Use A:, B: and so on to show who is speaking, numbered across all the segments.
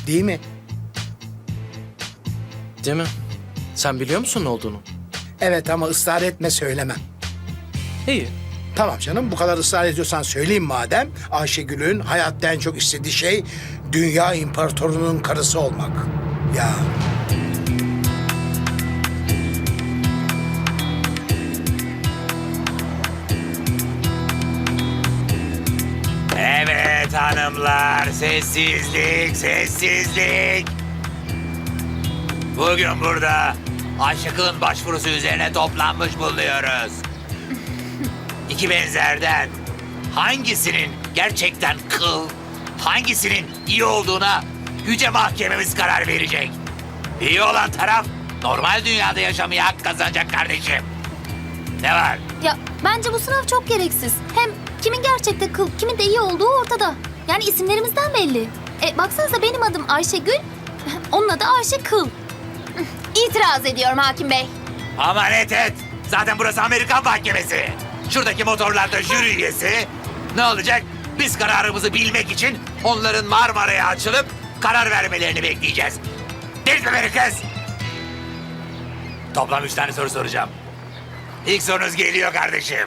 A: Değil mi?
B: Değil mi? Sen biliyor musun ne olduğunu?
A: Evet ama ısrar etme, söylemem.
B: İyi.
A: Tamam canım, bu kadar ısrar ediyorsan söyleyeyim madem. Ayşegül'ün hayatta en çok istediği şey dünya imparatorunun karısı olmak. Ya
C: Evet hanımlar, sessizlik, sessizlik. Bugün burada Ayşık'ın başvurusu üzerine toplanmış bulunuyoruz. İki benzerden hangisinin gerçekten kıl, hangisinin iyi olduğuna yüce mahkememiz karar verecek. İyi olan taraf normal dünyada yaşamaya hak kazanacak kardeşim. Ne var?
D: Ya bence bu sınav çok gereksiz. Hem kimin gerçekte kıl, kimin de iyi olduğu ortada. Yani isimlerimizden belli. Baksanıza benim adım Ayşegül, onun adı Ayşe Kıl. İtiraz ediyorum hakim bey.
C: Aman et. Zaten burası Amerikan mahkemesi. Şuradaki motorlarda jüri üyesi. Ne olacak? Biz kararımızı bilmek için onların Marmara'ya açılıp karar vermelerini bekleyeceğiz. Değil mi beni kız? Toplam 3 tane soru soracağım. İlk sorunuz geliyor kardeşim.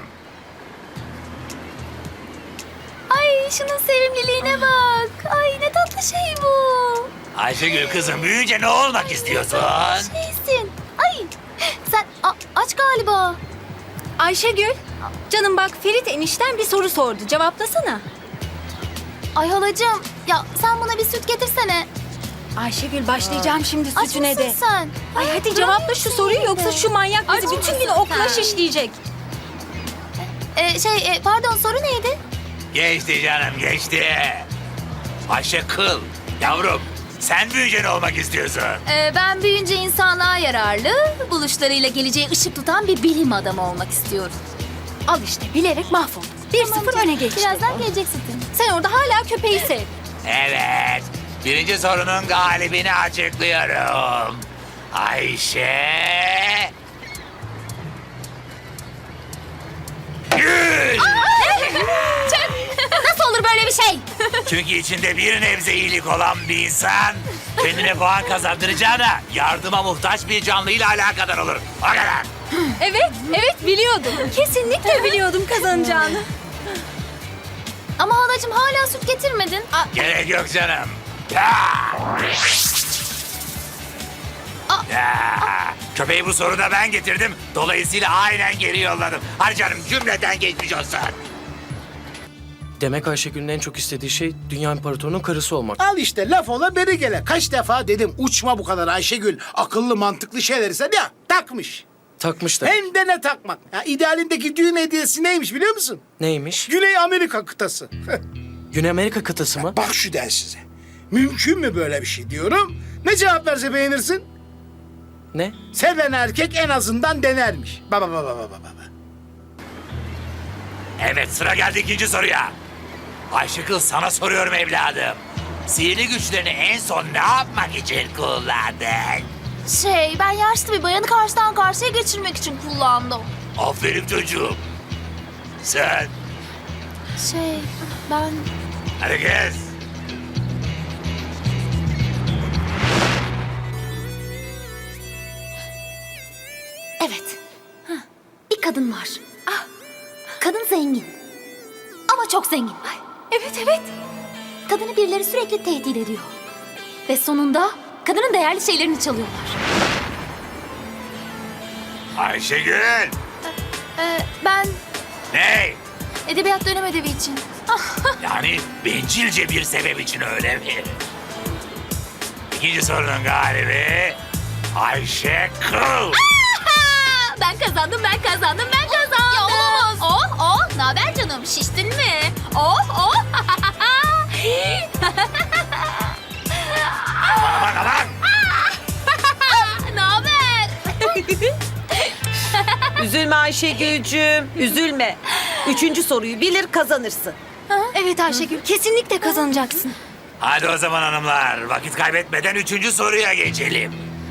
D: Ay şunun sevimliliğine bak. Ay ne tatlı şey bu.
C: Ayşegül kızım büyüyünce ne olmak istiyorsun?
D: Şeysin. Ay sen aç galiba.
E: Ayşegül, canım bak Ferit enişten bir soru sordu. Cevaplasana.
D: Ay halacığım ya sen buna bir süt getirsene.
E: Ayşegül başlayacağım şimdi
D: Aç
E: sütüne
D: mısın
E: de.
D: sen?
E: Ay hadi cevapla şu soruyu yoksa şu manyak bizi
D: Aç
E: bütün gün
D: mısın
E: okula
D: sen?
E: şişleyecek.
D: Pardon soru neydi?
C: Geçti canım geçti. Ayşe kıl. Yavrum sen büyüyünce ne olmak istiyorsun?
D: Ben büyüyünce insanlığa yararlı, buluşlarıyla geleceğe ışık tutan bir bilim adamı olmak istiyorum.
E: Al işte bilerek mahvolduk. 1-0 öne geçti.
D: Birazdan gelecek sütün.
E: Sen orada hala köpeği sev.
C: Evet. Birinci sorunun galibini açıklıyorum. Ayşe... Gül!
D: Nasıl olur böyle bir şey?
C: Çünkü içinde bir nebze iyilik olan bir insan... ...kendine puan kazandıracağına yardıma muhtaç bir canlıyla alakadar olur. O kadar.
E: Evet biliyordum. Kesinlikle biliyordum kazanacağını.
D: Ama halacığım hala süt getirmedin.
C: Gerek yok canım. Ya! Ya! Köpeği bu soruda ben getirdim. Dolayısıyla aynen geri yolladım. Hadi canım cümleten geçmiş olsun.
B: Demek Ayşegül'ün en çok istediği şey dünya imparatorunun karısı olmak.
A: al işte, laf ola beri gele. Kaç defa dedim uçma bu kadar Ayşegül. Akıllı mantıklı şeyleri sen ya takmış.
B: Takmış da.
A: Hem de ne takmak. Ya, idealindeki düğün hediyesi neymiş biliyor musun?
B: Neymiş?
A: Güney Amerika kıtası.
B: Güney Amerika kıtası mı?
A: Bak şu densize. Mümkün mü böyle bir şey diyorum. Ne cevap verse beğenirsin?
B: Ne?
A: Seven erkek en azından denermiş. Baba.
C: Evet sıra geldi ikinci soruya. Ayşıkıl sana soruyorum evladım. Sihirli güçlerini en son ne yapmak için kullandın?
D: Ben yaşlı bir bayanı karşıdan karşıya geçirmek için kullandım.
C: Aferin çocuğum. Sen
D: Ben...
C: hadi kız.
D: Evet. Bir kadın var. Kadın zengin. Ama çok zengin.
E: Evet.
D: Kadını birileri sürekli tehdit ediyor. Ve sonunda kadının değerli şeylerini çalıyorlar.
C: Ayşegül.
D: Ben
C: Ne?
D: edebiyat dönem ödevi için.
C: Yani bencilce bir sebep için öyle mi? İkinci sorunun galibi Ayşe Kıl.
D: Ben kazandım. Ya olamaz. Ne haber canım? Şiştin mi?
C: Aman.
D: Ne haber?
F: Üzülme Ayşegül'cüğüm, üzülme. 3. soruyu bilir kazanırsın.
E: Evet Ayşegül kesinlikle kazanacaksın.
C: Hadi o zaman hanımlar vakit kaybetmeden 3. soruya geçelim.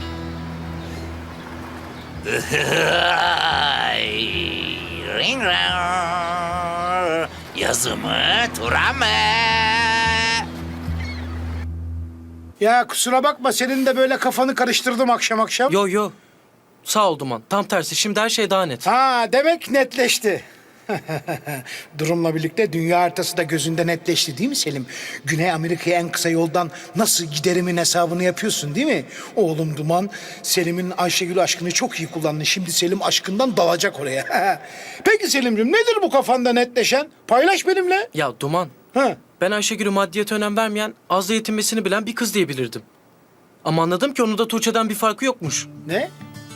C: Ring rang. Yazı mı, tura mı?
A: Ya kusura bakma, senin de böyle kafanı karıştırdım akşam akşam.
B: Yo yo. Sağ ol Duman. Tam tersi. Şimdi her şey daha net.
A: Ha, demek netleşti. Durumla birlikte dünya haritası da gözünde netleşti değil mi Selim? Güney Amerika'ya en kısa yoldan nasıl giderimin hesabını yapıyorsun değil mi? Oğlum Duman, Selim'in Ayşegül aşkını çok iyi kullandı. Şimdi Selim aşkından dalacak oraya. Peki Selim'ciğim, nedir bu kafanda netleşen? Paylaş benimle.
B: Ya Duman.
A: Ha.
B: Ben Ayşegül'ü maddiyete önem vermeyen, azla yetinmesini bilen bir kız diyebilirdim. Ama anladım ki onun da Tuğçe'den bir farkı yokmuş.
A: Ne?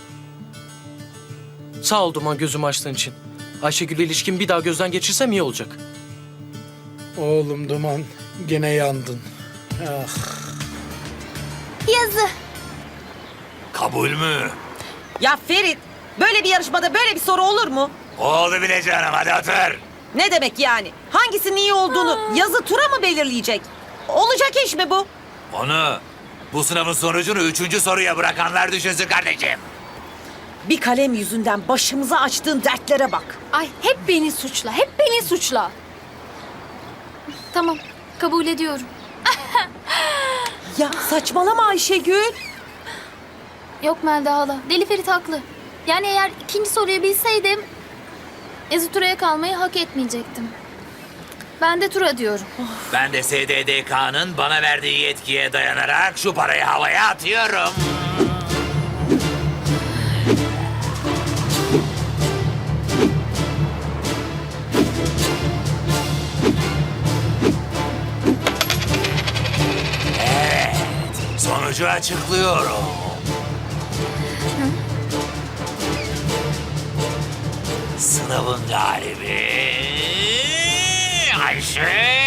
B: Sağ ol Duman gözümü açtığın için. Ayşegül'le ilişkimi bir daha gözden geçirsem iyi olacak.
A: Oğlum Duman, gene yandın. Ah.
D: Yazı.
C: Kabul mü?
F: Ya Ferit, böyle bir yarışmada böyle bir soru olur mu?
C: Oldu bile canım, hadi otur.
F: Ne demek yani? Hangisinin iyi olduğunu yazı tura mı belirleyecek? Olacak iş mi bu?
C: Onu bu sınavın sonucunu 3. soruya bırakanlar düşünsün kardeşim.
F: Bir kalem yüzünden başımıza açtığın dertlere bak.
E: Ay hep beni suçla, hep beni suçla.
D: Tamam, kabul ediyorum.
F: Ya saçmalama Ayşegül.
D: Yok Melda hala, Deli Ferit haklı. Yani eğer ikinci soruyu bilseydim... Yazı Tura'ya kalmayı hak etmeyecektim. Ben de Tura diyorum.
C: Ben de SDDK'nın bana verdiği yetkiye dayanarak şu parayı havaya atıyorum. Evet, sonucu açıklıyorum. Sınavın galibi Ayşe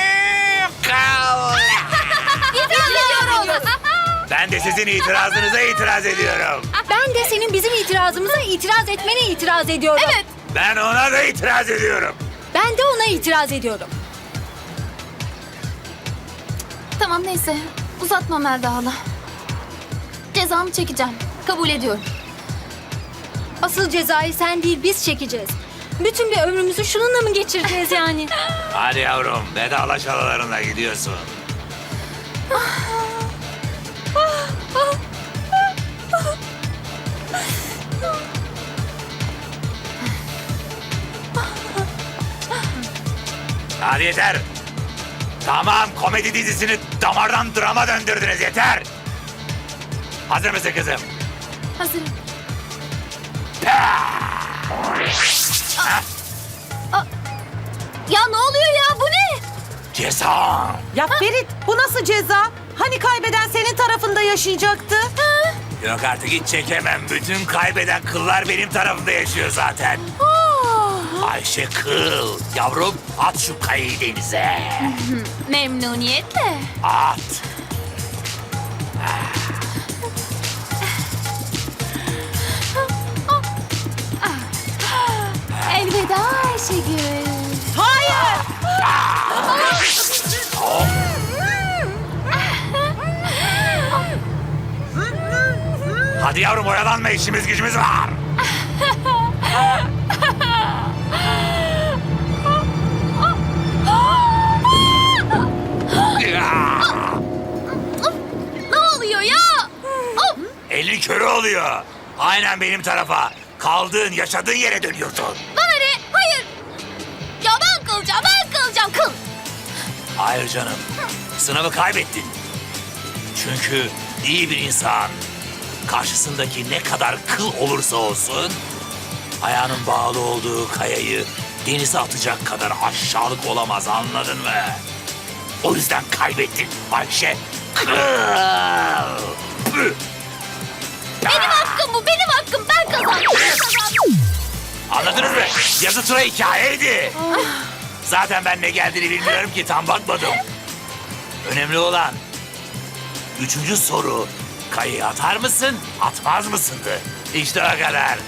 C: Kal.
D: İtiraz ediyoruz.
C: Ben de sizin itirazınıza itiraz ediyorum.
E: Ben de senin bizim itirazımıza itiraz etmene itiraz ediyorum. Evet.
C: Ben ona da itiraz ediyorum.
E: Ben de ona itiraz ediyorum.
D: Tamam neyse, uzatma Melda hala. Cezamı çekeceğim, kabul ediyorum.
E: Asıl cezayı sen değil biz çekeceğiz. Bütün bir ömrümüzü şununla mı geçireceğiz yani?
C: Hadi yavrum, vedalaş halalarına gidiyorsun. Hadi yeter. Tamam, komedi dizisini damardan drama döndürdünüz, yeter. Hazır mısın kızım?
D: Hazırım. Ya ne oluyor ya, bu ne?
C: Ceza.
F: Ya Ferit, bu nasıl ceza? Hani kaybeden senin tarafında yaşayacaktı?
C: Yok artık, hiç çekemem. Bütün kaybeden kıllar benim tarafımda yaşıyor zaten. Ayşe Kıl. Yavrum, at şu kayayı denize.
D: Memnuniyetle.
C: At.
D: Elveda Ayşegül.
F: Hayır!
C: Hadi yavrum, oyalanma, işimiz gücümüz var.
D: Ne oluyor ya? Of!
C: Elin körü oluyor. Aynen benim tarafa. Kaldığın, yaşadığın yere dönüyorsun.
D: Bana ne? Hayır. Ya ben kalacağım, kıl.
C: Hayır canım. Sınavı kaybettin. Çünkü iyi bir insan karşısındaki ne kadar kıl olursa olsun ayağının bağlı olduğu kayayı denize atacak kadar aşağılık olamaz, anladın mı? O yüzden kaybettin Ayşe Kıl. Püh!
D: Benim hakkım bu, benim hakkım. Ben kazandım.
C: Anladınız mı? Yazı tura hikayeydi. Zaten ben ne geldiğini bilmiyorum ki, tam bakmadım. Önemli olan 3. soru. Kayayı atar mısın, atmaz mısındı? İşte o kadar.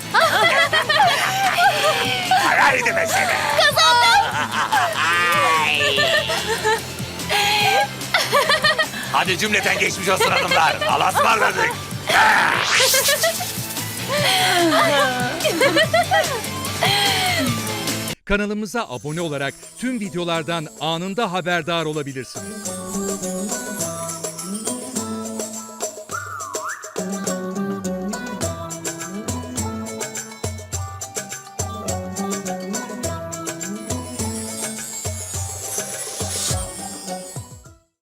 C: Kararıydı mesele.
D: Kazandım.
C: Hadi cümleten geçmiş olsun hanımlar. Allah'a ısmarladık.
G: Kanalımıza abone olarak tüm videolardan anında haberdar olabilirsiniz.